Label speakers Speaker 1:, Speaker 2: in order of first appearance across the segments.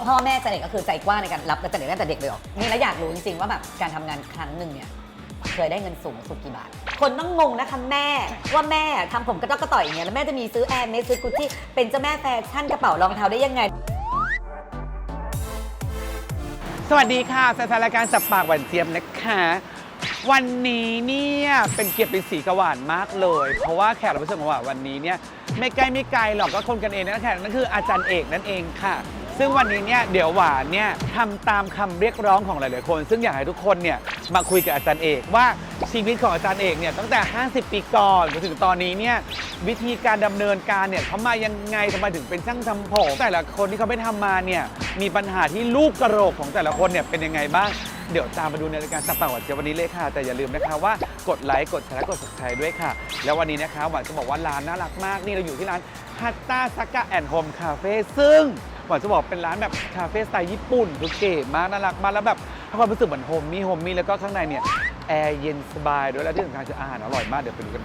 Speaker 1: พ่อแม่จันเอกก็คือใจกว้างในการรับจันเอกตั้งแต่เด็กเลยหรอนี่แล้วอยากรู้จริงๆว่าแบบการทำงานครั้งหนึ่งเนี่ยเคยได้เงินสูงสุดกี่บาทคนต้องงงนะคะแม่ว่าแม่ทำผมกระต๊อกกระต่อยอย่างเงี้ยแล้วแม่จะมีซื้อแอร์เมสซื้อกุชชี่เป็นเจ้าแม่แฟชั่นกระเป๋ารองเท้าได้ยังไง
Speaker 2: สวัสดีค่ะแฟนๆรายการสับปากหวานเจี๊ยบนะคะวันนี้เนี่ยเป็นเกียรติเป็นสีกหวานมากเลยเพราะว่าแขกรับเชิญของเราวันนี้เนี่ยไม่ไกลหรอกก็คนกันเองนั่นแขกนั่นคืออาจารย์เอกนั่นเองค่ะซึ่งวันนี้เนี่ยเดี๋ยวหวานเนี่ยทำตามคำเรียกร้องของหลายๆคนซึ่งอยากให้ทุกคนเนี่ยมาคุยกับอาจารย์เอกว่าชีวิตของอาจารย์เอกเนี่ยตั้งแต่50 ปีก่อนจนถึงตอนนี้เนี่ยวิธีการดำเนินการเนี่ยเขามายังไงทำไมถึงเป็นช่างทำผมแต่ละคนที่เขาไม่ทำมาเนี่ยมีปัญหาที่ลูกกระโหลกของแต่ละคนเนี่ยเป็นยังไงบ้างเดี๋ยวตามมาดูในรายการสับปากหวานเจี๊ยบวันนี้เลยค่ะแต่อย่าลืมนะคะว่ากดไลค์กดแชร์กด Subscribe ด้วยค่ะแล้ววันนี้นะคะหวานจะบอกว่าร้านน่ารักมากนี่เราอยู่ที่ร้านฮัตตาซากะแอนด์โฮมคาเฟ่ซึ่งหวานจะบอกเป็นร้านแบบคาเฟ่สไตล์ญี่ปุ่นคือเก๋มากน่ารักมากแล้วแบบให้ความรู้สึกเหมือนโฮมมี่แล้วก็ข้างในเนี่ยแอร์เย็นสบายด้วยและที่สำคัญคืออาหารอร่อยมากเดี๋ยวไปดูกัน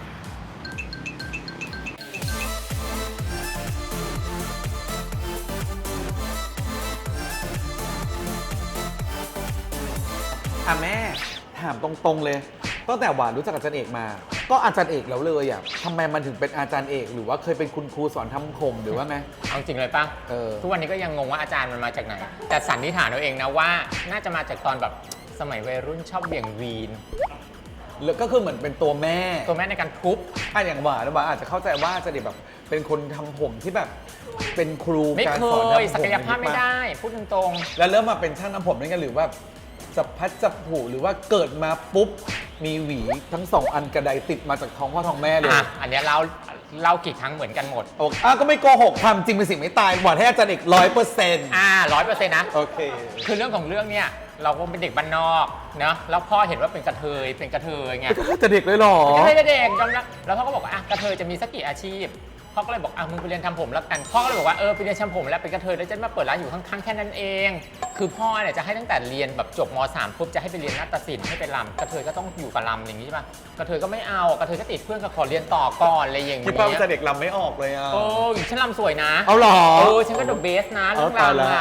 Speaker 2: แม่ถามตรงๆเลยตั้งแต่หวานรู้จักอาจารย์เอกมาก็อาจารย์เอกแล้วเลยอ่ะทำไมมันถึงเป็นอาจารย์เอกหรือว่าเคยเป็นคุณครูสอนทำผมหรือว่าไง
Speaker 3: เอาจริงเลยป่ะทุกวันนี้ก็ยังงงว่าอาจารย์มันมาจากไหนแต่สันนิษฐานเอาเองนะว่าน่าจะมาจากตอนแบบสมัยวัยรุ่นชอบเบี่ยงวีน
Speaker 2: แล้วก็คือเหมือนเป็นตัวแม่
Speaker 3: ในการทุบ
Speaker 2: อย่างหวานอาจจะเข้าใจว่าอาจารย์เอกแบบเป็นคนทำผมที่แบบเป็นครู
Speaker 3: การสอนทำผมศักยภาพไม่ได้พูดตรง
Speaker 2: ๆแล้วเริ่มมาเป็นช่างทำผมนี่กันหรือว่าจับพัดจับผูหรือว่าเกิดมาปุ๊บมีหวีทั้ง2 อันกระไดติดมาจากท้องพ่อท้องแม่เลย
Speaker 3: อันนี้เรากี่ครั้งเหมือนกันหมด
Speaker 2: ก็ไม่โกหกความจริงเป็นสิ่งไม่ตายหวานให้อาจารย์เอก100%
Speaker 3: 100%นะ
Speaker 2: โอเค
Speaker 3: คือเรื่องของเรื่องเนี่ยเราก็เป็นเด็กบ้านนอกเนาะแล้วพ่อเห็นว่าเป็นกระเทยไง
Speaker 2: จะเด็กเลยหรอ
Speaker 3: ไม่ได้เด็กยอมรับแล้วพ่อก็บอกว่ากระเทยจะมีสักกี่อาชีพพ่อก็เลยบอกมึงไปเรียนทำผมแล้วกันพ่อก็เลยบอกว่าไปเรียนทำผมแล้วเป็นกระเทยแล้วจะมาเปิดร้านอยู่ข้างๆแค่นั้นเองคือพ่อเนี่ยจะให้ตั้งแต่เรียนแบบจบม.3 ปุ๊บจะให้ไปเรียนนาฏศิลป์ให้ไปรำกระเทยก็ต้องอยู่กับรำอย่างนี้ใช่ป่ะกระเทยก็ไม่เอากระเทยก็ติดเพื่อนก็ขอเรียนต่อก่อนอะไรอย่างเงี้ย
Speaker 2: ที่ป้าจะเด็กรำไม่ออกเลย
Speaker 3: ฉันรำสวยนะ
Speaker 2: เอาหรอ
Speaker 3: ฉันก็เดอะเบสนะเรื่องรำ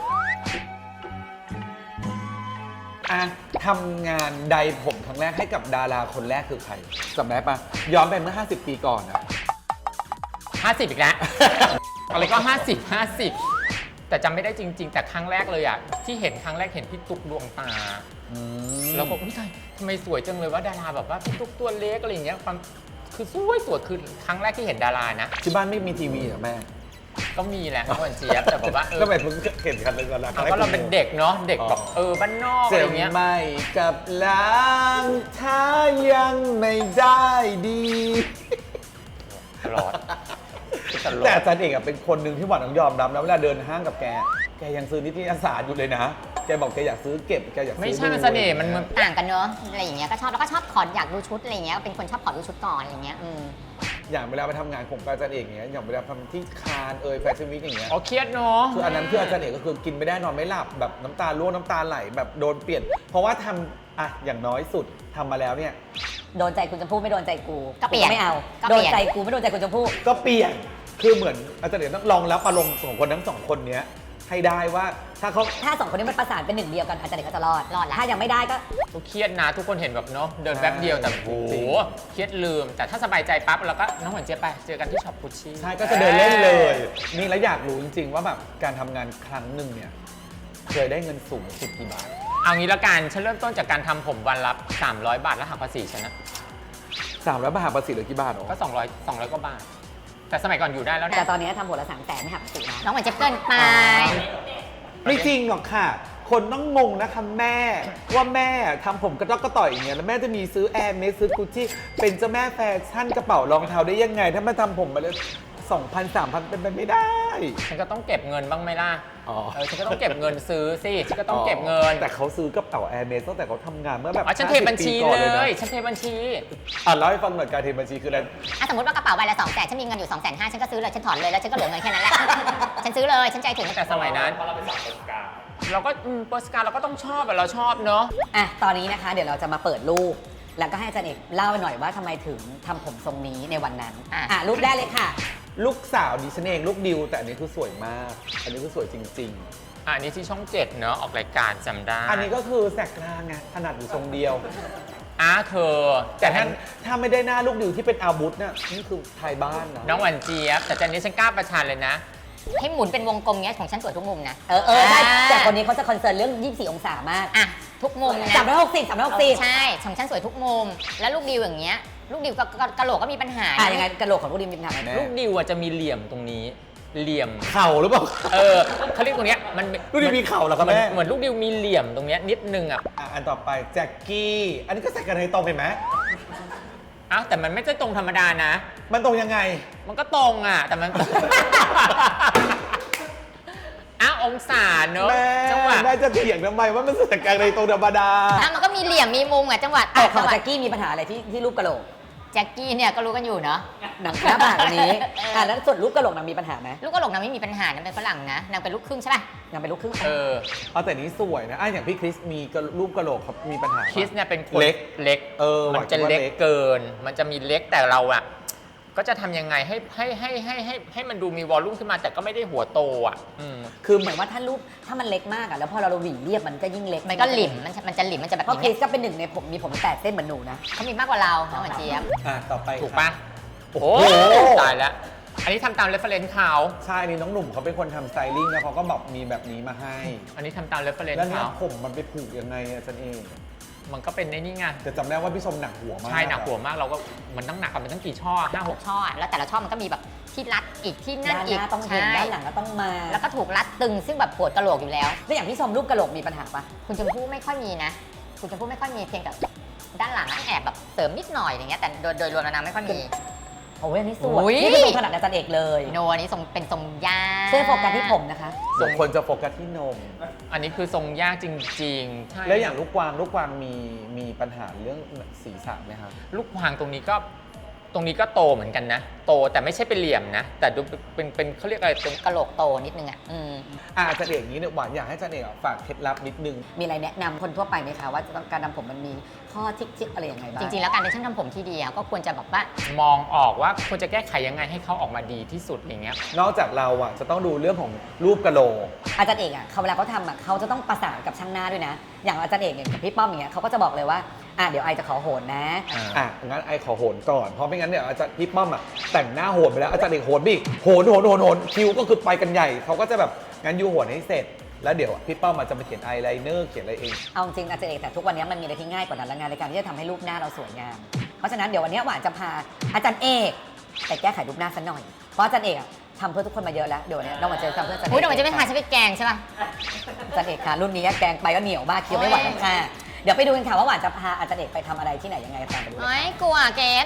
Speaker 2: ทำงานใดผมครั้งแรกให้กับดาราคนแรกคือใครจำได้ปะย้อนไปเมื่อ50 ปีก่อน
Speaker 3: 50อีกแล้วอะไรก็50แต่จำไม่ได้จริงๆแต่ครั้งแรกเลยที่เห็นครั้งแรกเห็นพี่ตุ๊กดวงตาแล้วก็อุ้ยทำไมสวยจังเลยว่าดาราแบบว่าพี่ตุ๊กตัวเล็กอะไรอย่างเงี้ยความคือสวยคือครั้งแรกที่เห็นดารานะ
Speaker 2: ที่บ้านไม่มีทีวีเหรอแม่
Speaker 3: ก็มีแหละน้องวันเจี๊ยบแต่แบบว่า
Speaker 2: ก็แบบมึงเห็นกันเลยกันละ
Speaker 3: ก็เราเป็นเด็กเนาะเด็กแบบบ้านนอกอะไรเงี้ย
Speaker 2: ไม่กับล้างถ้ายังไม่ได้ดี
Speaker 3: ตลอด
Speaker 2: แต่อาจารย์เอกเป็นคนหนึ่งที่หวานต้องยอมรับนะเวลาเดินห้างกับแกยังซื้อนิตยสารอยู่เลยนะแกบอกแกอยากซื้อเก็บแกอยากซื้อ
Speaker 3: ไม่ใช่มันเสน่ห์มัน
Speaker 4: ต่างกันเนอะอะไรอย่างเงี้ยก็ชอบแล้วก็ชอบขออยากดูชุดอะไรเงี้ยเป็นคนชอบขอดูชุดก่อนอะไรเงี้ย
Speaker 2: อย่างเวลาไปทำงานผมกับอาจารย์เอกเงี้ยอย่างเวลาทำที่คานแฟชั่นวีคอย่างเงี้ย
Speaker 3: เครียดเนาะ
Speaker 2: คืออันนั้นคืออาจารย์เอกก็คือกินไม่ได้นอนไม่หลับแบบน้ำตาร่วงน้ำตาไหลแบบโดนเปลี่ยนเพราะว่าทำอย่างน้อยสุดทำมาแล้วเนี่ย
Speaker 1: โดนใจคุณชมพู่ไม่โดนใจกู
Speaker 4: ก็เปลี่ยน
Speaker 1: ไม่เอาโดนใจกูไม่โดนใจคุณชมพู่
Speaker 2: ก็เปลี่ยนคือเหมือนอาจารย์เอกต้องลองรับอารมณ์ของคนทั้ง2 คนเนี้ยให้ได้ว่าถ้า
Speaker 1: 2 คนนี้มันประสานเป็นหนึ่งเดียวกันอาจารย์เอกก็จะรอดแล้วถ้ายังไม่ได้ก็
Speaker 3: เครียดนะทุกคนเห็นแบบเนาะเดินแป๊บเดียวแต่โอ้โหเครียดลืมแต่ถ้าสบายใจปั๊บเราก็น้องหวานเจี๊ยบไปเจอกันที่ช็อปกุชชี่
Speaker 2: ใช่ก็จะเดินเล่นเลยนี่แล้วอยากรู้จริงๆว่าแบบการทำงานครั้งหนึ่งเนี่ยเคยได้เงินสูงสุดกี่บาท
Speaker 3: เอางี้ละกันฉันเริ่มต้นจากการทำผมวันละ300 บาทแล้วหักภาษีฉันนะ
Speaker 2: 300 บาทหักภาษีเหลือกี่บาท
Speaker 3: ก็200กว่าบาทแต่สมัยก่อนอยู่ได้แล้ว
Speaker 1: แต่ตอนนี้ทำหัวละ300,000ไม่หักภาษีนะ
Speaker 4: น้องหวานเจี๊ยบเกินไป
Speaker 2: ไม่จริงหรอกค่ะคนต้องงงนะคะแม่ว่าแม่ทำผมกระต๊อกกระต่อยอย่างเงี้ยแล้วแม่จะมีซื้อแอร์เมสซื้อกุชชี่เป็นเจ้าแม่แฟชั่นกระเป๋ารองเท้าได้ยังไงถ้ามาทำผมมาเลย2,000 3,000เป็นไปไม่ได้
Speaker 3: ฉันก็ต้องเก็บเงินบ้างไหมล่ะฉันก็ต้องเก็บเงินซื้อสิฉันก็ต้องเก็บเงิน
Speaker 2: แต่เขาซื้อกระเป๋าแอร์เมสตั้งแต่เขาทำงานเมื่อแบบ
Speaker 3: ฉันเทบัญชีเลยฉันเทบัญชี
Speaker 2: เล่าให้ฟังหน่อยการเทบัญชีคืออะไร
Speaker 4: สมมติว่ากระเป๋าใบละ200,000ฉันมีเงินอยู่250,000ฉันก็ซื้อเลยฉันถอนเลยแล้วฉันก็เหลือเงินแค่นั้นแหละฉันซื้อเลยฉันใจถึง
Speaker 3: แต่สมัยนั้นเราเป็นสาวเราก็โปสการ์เราก็ต้องชอบเราชอบเนาะ
Speaker 1: ตอนนี้นะคะเดี๋ยวเราจะมาเปิดรูปแล้วก็ให้อาจารย์เอกเล่าหน่อยว่าทำไมถึงทำผมทรงนี้ในวันนั้นรูปได้เลยค่ะ
Speaker 2: ลูกสาวดิฉันเองลูกดิวแต่อันนี้คือสวยมากอันนี้คือสวยจริง
Speaker 3: อันนี้ที่ช่อง 7 เนอะออกรายการจำได้
Speaker 2: อันนี้ก็คือแสกกลางไงถนัดอยู่ทรงเดียว
Speaker 3: เธอ
Speaker 2: แต่ถ้าไม่ได้หน้าลูกดิวที่เป็นอาวุธเนี่ยนี่คือไทยบ้านนะ
Speaker 3: น้องหวานเจี๊ยบแต่ตอนนี้ฉันกล้าประชันเลยนะ
Speaker 4: ให้หมุนเป็นวงกลมเงี้ยของฉันสวยทุกมุมนะ
Speaker 1: ใช่แต่คนนี้เขาจะคอนเซิร์นเรื่อง 24 องศามาก
Speaker 4: อ่ะทุกมุมนะ
Speaker 1: 360
Speaker 4: ใช่ของฉันสวยทุกมุม แล้วลูกดิวอย่างเงี้ยลูกดิวกะโหลกก็มีปัญหา
Speaker 1: ยังไงกระโหลกของลูกดิมมีปัญหาไหม
Speaker 3: ลูกดิวจะมีเหลี่ยมตรงนี้เหลี่ยม
Speaker 2: เข่าหรือเปล่า
Speaker 3: เขาเรียกตรงเนี้ยมัน
Speaker 2: ลูกดิวมีเข่าเหรอครับแม่
Speaker 3: เหมือนลูกดิวมีเหลี่ยมตรงเนี้ยนิดนึง
Speaker 2: อันต่อไปแจ็คกี้อันนี้ก็แสกกลางไทยตรงเห็นไหม
Speaker 3: แต่มันไม่ใช่ตรงธรรมดานะ
Speaker 2: มันตรงยังไง
Speaker 3: มันก็ตรงแต่มัน องศาเนอะ
Speaker 2: แม่
Speaker 3: จังหวะ
Speaker 2: แม่จะเถียงทำไมว่ามันแสกกลางไทยตรงธรรมดา
Speaker 4: มันก็มีเหลี่ยมมีมุมอ่ะจังหวัด
Speaker 1: แต่ของ
Speaker 4: จังหวัด
Speaker 1: แจ็คกี้มีปัญหาอะไรที่รูปกระโหลก
Speaker 4: แจ็คกี้เนี่ยก็รู้กันอยู่เนาะ
Speaker 1: หนังหน้าผากอันนี้แล้วส่วนรูปกระโหลกนางมีปัญหาไหม
Speaker 4: ลูกกะโหลกนางไม่มีปัญหานางเป็นฝรั่งนะนางเป็นลูกครึ่งใช่ป่ะ
Speaker 1: นางเป็นลูกครึ่ง
Speaker 2: เอาแต่นี้สวยนะอย่างพี่คริสมีรูปกระโหลกเขามีปัญหา
Speaker 3: คิสเนี่ยเป็นคน
Speaker 2: เล็ก
Speaker 3: เล็ก
Speaker 2: ห
Speaker 3: มันจะ
Speaker 2: ว่า
Speaker 3: เล็กเกิน มันจะมีเล็กแต่เราก็จะทำยังไงให้มันดูมีวอลลุ่มขึ้นมาแต่ก็ไม่ได้หัวโต
Speaker 1: คือเหมือนว่าถ้ารูปถ้ามันเล็กมากแล้วพอเราหวีเรียบมันก็ยิ่งเล็ก
Speaker 4: มันก็หลิมมันจะหลิมมันจะแบบ
Speaker 1: เพราะคริ
Speaker 4: นี้
Speaker 1: สก็เป็นหนึ่งในผมมีผม8 เส้นเหมือนหนูนะ
Speaker 4: เขามีมากกว่าเราน้องหวานเจี๊ยบ
Speaker 2: ต่อไป
Speaker 3: ถูกปะ
Speaker 2: โอ้โห
Speaker 3: ตายแล้ว อันนี้ทำตามเรฟเฟรนซ์เขา
Speaker 2: ใช่อันนี้น้องหนุ่มเขาเป็นคนทำสไตลิ่งแล้วเขาก็แบบมีแบบนี้มาให้
Speaker 3: อันนี้ทำตามเรฟเฟรน
Speaker 2: แล้ว
Speaker 3: ซ์
Speaker 2: เนี่ย
Speaker 3: เขา
Speaker 2: ผมมันไปผูกยังไงอาจารย์เอง
Speaker 3: มันก็เป็นในนี่ไง
Speaker 2: แต่จำได้ว่าพี่ชมหนักหัวมาก
Speaker 3: ใช่หนักหัวมากเราก็มันต้องหนักกันเป็นตั้งกี่ช่อ5-6
Speaker 4: ช่อแล้วแต่ละช่อมันก็มีแบบที่รัดอีกที่นั่น
Speaker 1: ด้านห
Speaker 4: อีก
Speaker 1: น้าต้องเห็น
Speaker 4: ใช่
Speaker 1: ด้านหลังก็ต้องมา
Speaker 4: แล้วก็ถูกรัดตึงซึ่งแบบปวดกะโหลกอยู่แล้ว
Speaker 1: แล้วอย่างพี่ชมรูปกระโหลกมีปัญหาปะ
Speaker 4: คุณชมพู่ไม่ค่อยมีนะ คุณชมพู่ไม่ค่อยมีเพียงแต่ด้านหลังแอบแบบเสริมนิดหน่อยอย่างเงี้ยแต่โดยรวมแล้วนางไม่ค่อยมี
Speaker 1: โอ้ยอันนี้ส
Speaker 4: อุ๊
Speaker 1: วย
Speaker 4: ย
Speaker 1: นี่เป็นทรงขนาดอาจารย์เอกเลย
Speaker 4: โนอันนี้ทรงเป็นทรงย่า
Speaker 1: เสื้อโฟกัสที่ผมนะคะ
Speaker 2: ส่วนคนจะโฟกัสที่นม
Speaker 3: อันนี้คือทรงยากจริงๆใช่
Speaker 2: แล้วอย่างลูกกวางมีปัญหาเรื่องศีรษะไหมครับ
Speaker 3: ลูกพางตรงนี้ก็โตเหมือนกันนะ โตแต่ไม่ใช่เป็นเหลี่ยมนะ แต่ดูเป็นเขาเรียกอะไรเป็น
Speaker 4: กะโหลกโตนิดนึงอ่ะ
Speaker 2: อาจารย์เอกนี้เนี่ยหวานอยากให้อาจารย์เอกฝากเคล็ดลับนิดนึง
Speaker 1: มีอะไรแนะนำคนทั่วไปไหมคะว่าจะต้องการทำผมมันมีข้อทิกอะไรยังไงบ้าง
Speaker 4: จริงๆแล้วการเป็นช่างทำผมที่ดีก็ควรจะแบบว่าม
Speaker 3: องออกว่าควรจะแก้ไขยังไงให้เขาออกมาดีที่สุดอย่างเงี้ย
Speaker 2: นอกจากเราจะต้องดูเรื่องของรูปกะโหลก
Speaker 1: อาจารย์เอกเขาเวลาเขาทำเขาจะต้องประสานกับช่างหน้าด้วยนะ อย่างอาจารย์เอกอย่างกับพี่ป้อมอย่างเงี้ยเขาก็จะบอกเลยว่าเดี๋ยวไอจะขอโหนนะ
Speaker 2: งั้นไอขอโหนก่อนเพราะไม่งั้นเนี่ยอาจารย์พี่ป้อมแต่งหน้าโหนไปแล้วอาจารย์เอกโหนบิ๊กโหนคิวก็คือไปกันใหญ่เขาก็จะแบบงั้นยูโหนให้เสร็จ แล้วเดี๋ยวพี่ป้อมจะมาเขียนไอไลเนอร์เขียนอะไรเอง
Speaker 1: เอาจริงอาจารย์เอกแต่ทุกวันนี้มันมีอะไรที่ง่ายกว่านั้นและงานในการที่จะทำให้รูปหน้าเราสวยงาม เพราะฉะนั้นเดี๋ยววันนี้หวานจะพาอาจารย์เอกไปแก้ไขรูปหน้าสักหน่อยเพราะอาจารย์เอกทำเพื่อทุกคนมาเยอะแล้วเดี๋ยววันนี้เรามาเจอทำเพื่ออาจารย์เอก
Speaker 4: อุ้ยเดี๋ยวมันจะไม่ทานฉันไปแกงใช่ป่ะ
Speaker 1: อาจารย์เอกค่ะรุ่นนี้แกงไปก็เหนียวมากเคี้ยวไม่ไหวแล้วค่ะเดี๋ยวไปดูกันค่ะว่าหวานจะพาอาจารย์เอกไปทำอะไรที่ไหนยังไงตามไปดูเลย
Speaker 4: โอ้ยกลัวเกส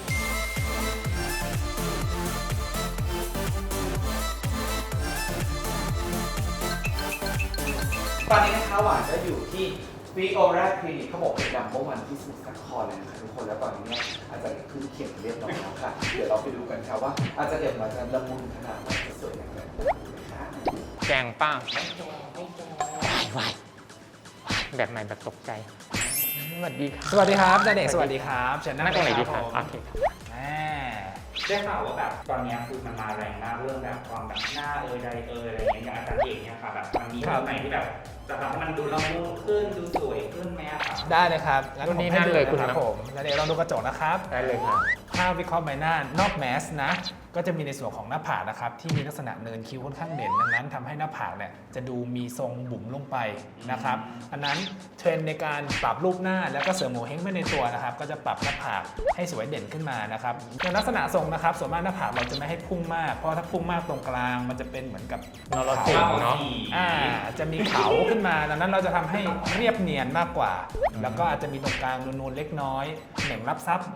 Speaker 2: ตอนนี้นะคะหวานก็อยู่ที่วีโอราคลินิกเขาบอกเป็นดัมเบิลวันที่สมุทรสาครเลยนะคะทุกคนแล้วตอนนี้เนี่ยอาจารย์เอกขึ้นเขียนเรียบร้อยแล้วค่ะ เดี๋ยวเราไปดูกันค่ะว่าอาจารย์เอกมาจะละมุนขนาดไหนจะสวยอย่างไรนะคะ
Speaker 3: แกงป้าไหวแบบใหม่แบบตกใจสวัสดีครับ
Speaker 5: สวัสดีครับอาจารย์เอกสวัสดีครับเชิญนั่
Speaker 3: นั่งตรงไหนดีครับ
Speaker 5: ผม
Speaker 3: โอเคครับ
Speaker 5: ได้ข่าวว่าแบบตอนเนี้ยคือมันมาแรงมากเรื่องแบบความแบบหน้าใดอะไรอย่างเงี้ยอย่างอาจารย์เอกเนี่ยค่ะแบบมันมีตรงไหนที่แบบจะทำให้มันดูละมุนขึ้นดูสวยขึ้นไหมอะครับได้เลยครับงั้นผมให้ดูเลยครับผมแล้วเดี๋ยวลองดูกระจกนะครับ
Speaker 3: ได้เลยครับ
Speaker 5: ถ้าวิเคราะห์ใบหน้านอกแมสนะก็จะมีในส่วนของหน้าผากนะครับที่มีลักษณะเนินคิ้วค่อนข้างเด่นดังนั้นทำให้หน้าผากเนี่ยจะดูมีทรงบุ๋มลงไปนะครับอันนั้นเทรนด์ในการปรับรูปหน้าแล้วก็เสริมโงเ่เฮงไปในตัวนะครับก็จะปรับหน้าผากให้สวยเด่นขึ้นมานะครับในลักษณะทรงนะครับส่วนมากหน้าผากเราจะไม่ให้พุ่งมากเพราะถ้าพุ่งมากตรงกลางมันจะเป็นเหมือนกับ
Speaker 3: นรสิงห์เนาะ
Speaker 5: จะมีเขาขึ้นมาดังนั้นเราจะทำให้เรียบเนียนมากกว่า แล้วก็อาจจะมีตรงกลางนูนๆเล็กน้อยเหน่งรับซับ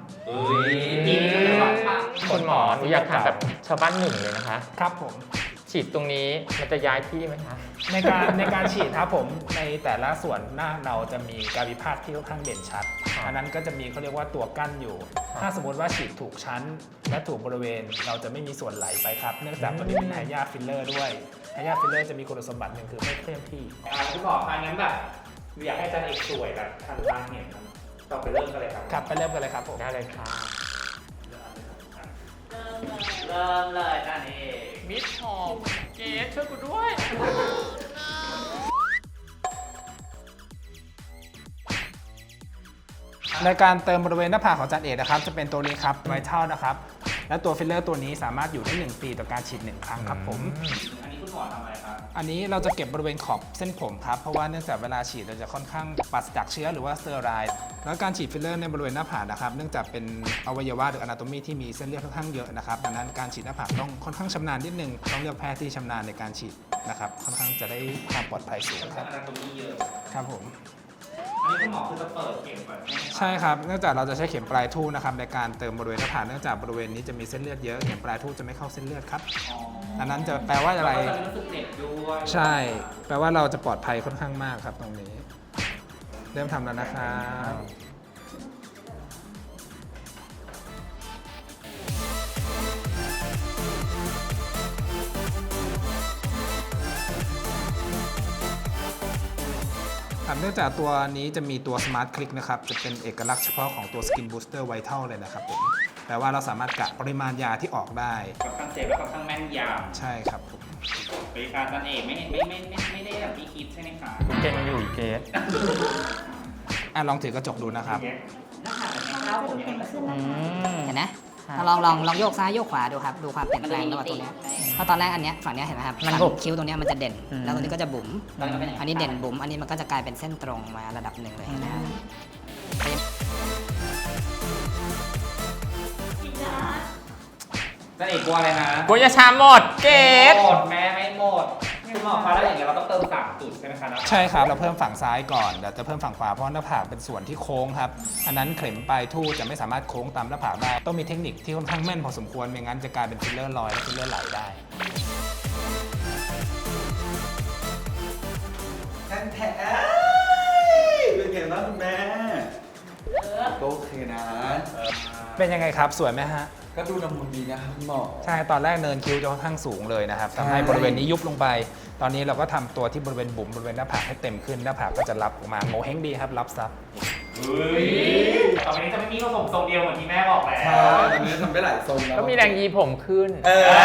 Speaker 3: คุณหมอหนูอยากถามแบบชาวบ้านหนึ่งเลยนะคะ
Speaker 5: ครับผม
Speaker 3: ฉีดตรงนี้มันจะย้ายที่ไหมคะ
Speaker 5: ในการฉีดครับผมในแต่ละส่วนหน้าเราจะมีการวิพากษ์ที่ค่อนข้างเด่นชัด อันนั้นก็จะมีเขาเรียกว่าตัวกั้นอยู่ ถ้าสมมติว่าฉีดถูกชั้น และถูกบริเวณเราจะไม่มีส่วนไหลไปครับ เนื่องจากตัวนี้เป็นไฮยาฟิลเลอร์ด้วยไฮยาฟิลเลอร์จะมีคุณสมบัติหนึ่งคือไม่เคลื่อนที่
Speaker 6: คุณหมอคะงั้นแบบอยากให้อาจารย์เอกสวยแบบทันตาเห็นต่อไปเริ่มกันเลยครับ
Speaker 5: ครับไปเริ่มกันเลยครับผม
Speaker 3: ได้เลยค่ะ
Speaker 6: เริ่มเลยอาจารย์เอก
Speaker 3: มิดหอมเกสช่วยกูด้วย
Speaker 5: ในการเติมบริเวณหน้าผากของอาจารย์เอกนะครับจะเป็นตัวนี้ครับไวท์เทลนะครับและตัวฟิลเลอร์ตัวนี้สามารถอยู่ได้1 ปีต่อการฉีด1 ครั้งครับผม
Speaker 6: อันนี้คุณหมอทำอะไรครับ
Speaker 5: อันนี้เราจะเก็บบริเวณขอบเส้นผมครับเพราะว่าเนื่องจากเวลาฉีดเราจะค่อนข้างปราศจากเชื้อหรือว่าสเตอไรด์แล้วการฉีดฟิลเลอร์ในบริเวณหน้าผากนะครับเนื่องจากเป็นอวัยวะหรืออนาโตมีที่มีเส้นเลือดค่อนข้างเยอะนะครับดังนั้นการฉีดหน้าผากต้องค่อนข้างชำนาญนิดนึงต้องเลือกแพทย์ที่ชำนาญในการฉีดนะครับค่อนข้างจะได้ความปลอดภัยสูงครับ
Speaker 6: อนาโตมีเยอะ
Speaker 5: ครับผม
Speaker 6: อันนี้คุณหมอคือจะเปิดเข็มก่อนใช่ไหมครับ
Speaker 5: ใช่ครับเนื่องจากเราจะใช้เข็มปลายทู่นะครับในการเติมบริเวณหน้าผากเนื่องจากบริเวณนี้จะมีเส้นเลือดเยอะเข็มปลายทู่จะไม่เข้าเส้นเลือดครับ
Speaker 6: อ๋อ
Speaker 5: ดังนั้นจะแปลว่าอะไร
Speaker 6: แล้วก็จะรู้สึกเจ็บด้วย
Speaker 5: ใช่แปลว่าเราจะปลอดภัยค่อนข้างมากครับตรงนี้ เริ่มทำแล้วนะครับเนื่องจากตัวนี้จะมีตัว Smart Click นะครับจะเป็นเอกลักษณ์เฉพาะของตัว Skin Booster Vital เลยนะครับผมแปลว่าเราสามารถกะปริมาณยาที่ออกได้
Speaker 6: ค่อนข้างเซฟและค่อนข้างแม่นย
Speaker 5: ใช่ครับผม
Speaker 6: ำบริการนั่นเองไม่ได้แบบที่คิดใช่ไหมคะ
Speaker 3: เกณฑ์อยู่เกณฑ์
Speaker 5: ลองถือกระจกดูนะครับ
Speaker 4: เห็นไหมลองโยกซ้ายโยกขวาดูครับดูความเปลี่ยนแปลงระหว่างตัวเนี้ยเพราะตอนแรกอันเนี้ยฝั่งเนี้ยเห็นไหมครับมันบุบคิ้วตรงเนี้ยมันจะเด่นแล้วตรงนี้ก็จะบุ๋มอันนี้เด่นบุ๋มอันนี้มันก็จะกลายเป็นเส้นตรงมาระดับหนึ่งเลยนะครับ
Speaker 6: นั่นเองกลัวอะไรนะ
Speaker 3: กูจะชาหมดเกณฑ์
Speaker 6: หมดแม่ไม่หมดคุณหมอคะแล้วอย่างเงี้ยเราต้องเติม3 จุดใช่ไหมคะนะ
Speaker 5: ใช่ครับเราเพิ่มฝั่งซ้ายก่อนเดี๋ยวจะเพิ่มฝั่งขวาเพราะหน้าผากเป็นส่วนที่โค้งครับอันนั้นเข็มปลายทู่จะไม่สามารถโค้งตามหน้าผากได้ต้องมีเทคนิคที่ค่อนข้างแม่นพอสมควรไม่งั้นจะกลายเป็นฟิลเลอร์ลอยและฟิลเลอร์ไหลได้
Speaker 2: เป็นไงบ้างคุณแม่ก็โอเคนะ
Speaker 5: เป็นยังไงครับสวยไหมฮะ
Speaker 2: ก็ดูละมุนดีนะครับคุณหมอ
Speaker 5: ใช่ตอนแรกเนินคิ้วจะค่อนข้างสูงเลยนะครับทำให้บริเวณนี้ยุบลงไป ตอนนี้เราก็ทำตัวที่บริเวณบุ๋มบริเวณหน้าผากให้เต็มขึ้นหน้าผากก็จะรับออกมาโงเห้งดีครับรับซับ
Speaker 6: เฮ้ยต่อไปนี้จะไม่มีผสมทรงเดียวเหมือนที่แม่บอกแล้ว
Speaker 2: ตอนนี้ทำได้หลายทรงแล้ว
Speaker 3: ก็มีแรงยีผมขึ้น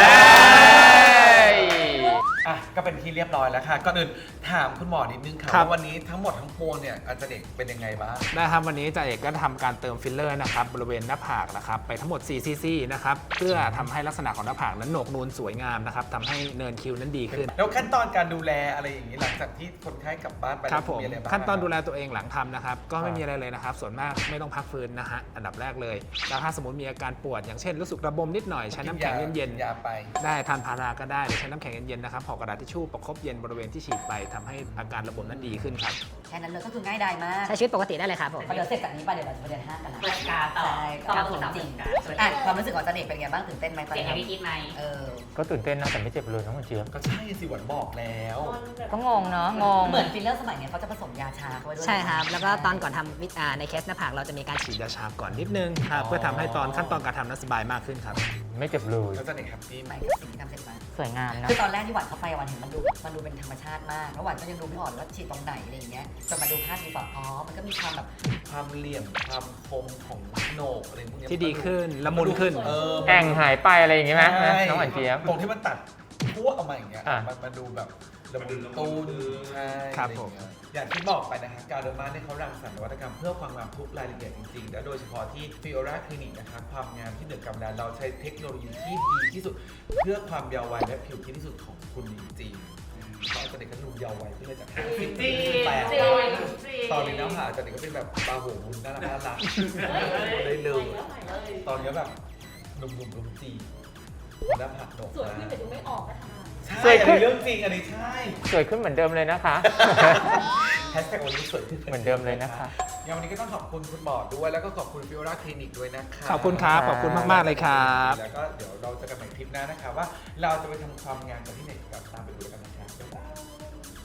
Speaker 7: อ่ะก็เป็นที่เรียบร้อยแล้วค่ะก่อนอื่นถามคุณหมอนิดนึงค่ะ
Speaker 5: ครับ
Speaker 7: ว่าวันนี้ทั้งหมดทั้งปวงเนี่ยอาจารย์เอกเป็นยังไงบ้าง
Speaker 5: นะครับวันนี้จ่าเอกก็ทำการเติมฟิลเลอร์นะครับบริเวณหน้าผากนะครับไปทั้งหมด4 cc นะครับเพื่อทำให้ลักษณะของหน้าผากนั้นโหนกนูนสวยงามนะครับทำให้เนินคิ้วนั้นดีขึ้น
Speaker 7: แล้วขั้นตอนการดูแลอะไรอย่างนี้หลังจากที่คนไข้กลับบ้านไป
Speaker 5: ครับผม
Speaker 7: อะไรบ้าง
Speaker 5: ขั้นตอนดูแลตัวเองหลังทำนะครับก็ไม่มีอะไรเลยนะครับส่วนมากไม่ต้องพักฟื้นนะฮะอันดับแรกเลยแล้วถ้าสมมติมีอาการปวดอย่างเช่นรู้สึกระบมนิดหน่อยใช้น้ำแข็งเย็น
Speaker 7: ยาไป
Speaker 5: ๆได้ทานพาราก็ได้หรือใช้น้ำแข็งเย็นๆนะครับห่อกระดาษทิชชู่ประคบเย็นบริเวณที่ฉีดไปทำให้อาการระบมนั้นดีขึ้นครับ
Speaker 1: แค่นั้นเลยก็คือง่ายดายมาก
Speaker 4: ใช้ชีวิตปกติได้เลยครับผม
Speaker 1: พอเดี๋ยวเสร็จจากนี้ไปเดี๋ยวเราจะไปเดินห้างกันละ
Speaker 8: เปิดการต่อ
Speaker 1: ใช่
Speaker 8: ต่อ
Speaker 1: ครับ
Speaker 8: สู่
Speaker 1: ผม
Speaker 8: ต่อ
Speaker 1: จริง
Speaker 8: การ
Speaker 1: อ่ะความรู้สึกของจันเอกเป็นไงบ้างตื่นเต้นไหมตอน
Speaker 8: เสียง
Speaker 1: นี้
Speaker 8: ให้พี่คิดไหม
Speaker 1: เออ
Speaker 3: ก็ตื่นเต้นนะแต่ไม่เจ็บเลยน้องเจี๊ยบ
Speaker 7: ก็ใช่สิหวันบอกแล้ว
Speaker 4: ก็งงเนาะงง
Speaker 1: เหมือนฟิลเลอร์สมัยเนี้ยเขาจะผสมยาชาเข้าไปด้วย
Speaker 4: ใช่ครับ แล้วก็ตอนก่อนทำในเคสหน้าผากเราจะมีการฉี
Speaker 5: ฉี
Speaker 4: ด
Speaker 5: ดยาชาก่อนนิดนึงครับเพื่อทำให้ตอนขั้นตอนการทำนั้นสบายมากขึ้นครับ
Speaker 3: ไม่เจ็บเลย
Speaker 7: แล้วอาจารย์เอกแฮปปี้ไหม
Speaker 1: ใหม่กับสิ่งที่ทำเสร็จมา
Speaker 4: สวยงามเนาะ
Speaker 1: คือตอนแรกที่หวานเข้าไปหวานเห็นมันดูเป็นธรรมชาติมากแล้วหวานก็ยังดูไม่ออกเลยว่าฉีดตรงไหนอะไรอย่างเงี้ยจนมาดูภาพดีกว่าอ๋อมันก็มีความแบบ
Speaker 7: ความเหลี่ยมความคมของโหนกอะไรพวกเนี้ย
Speaker 5: ที่ดีขึ้นละมุนขึ้น
Speaker 3: แองหายไปอะไรอย่างงี้ไหม
Speaker 7: ใช่
Speaker 3: น้องหวานเจี๊ยบ
Speaker 7: ตรงที่มันตัดทั่วออกมาอย่างเงี้ย
Speaker 3: อ่ะ
Speaker 7: มันดูแบบระมุนตูนใช่
Speaker 5: ครับ
Speaker 7: อะไอย่าง
Speaker 5: ผม
Speaker 7: เงี้ยอย่างที่บอกไปนะฮะการเดอร์มาเนี่ยเขารังสรรค์นวัตกรรมเพื่อความงามทุกรายละเอียดจริงๆ และโดยเฉพาะที่ Fiora Clinic นะครับความงามที่เหนือกำลังเราใช้เทคโนโลยีที่ดีที่สุด เพื่อความเยาว์วัยและผิวที่ดีที่สุดของคุณจริงๆเพราะอาจารย์เด็กก็ดูเยาว์วัยขึ้นเลยจาก50ปีแปดตอนนี้น้ำหาอาจารย์เด็กก็เป็นแบบปลาโหมุนน่ารักได้เลย ตอนนี้แบบหนุ่มๆรุมจีหน้าผากดก
Speaker 8: สวยขึ้นแต่ดูไม่ออกนะคะ
Speaker 7: ใช่อันนี้เรื่องจริงอันนี้ใช่
Speaker 3: สวยขึ้นเหมือนเดิมเลยนะคะ
Speaker 7: แฮชแท็กวันนี้สวยขึ้น
Speaker 3: เหมือนเดิมเลยนะคะ
Speaker 7: ยังวันนี้ก็ต้องขอบคุณคุณหมอด้วยแล้วก็ขอบคุณฟิโอราคลินิกด้วยนะคะ
Speaker 5: ขอบคุณครับขอบคุณมากๆเลยครับ
Speaker 7: แล้วก็เดี๋ยวเราจะกันใหม่คลิปหน้านะคะว่าเราจะไปทำความงามกันที่ไหนกับตามไปดูกันนะครับบ๊ายบาย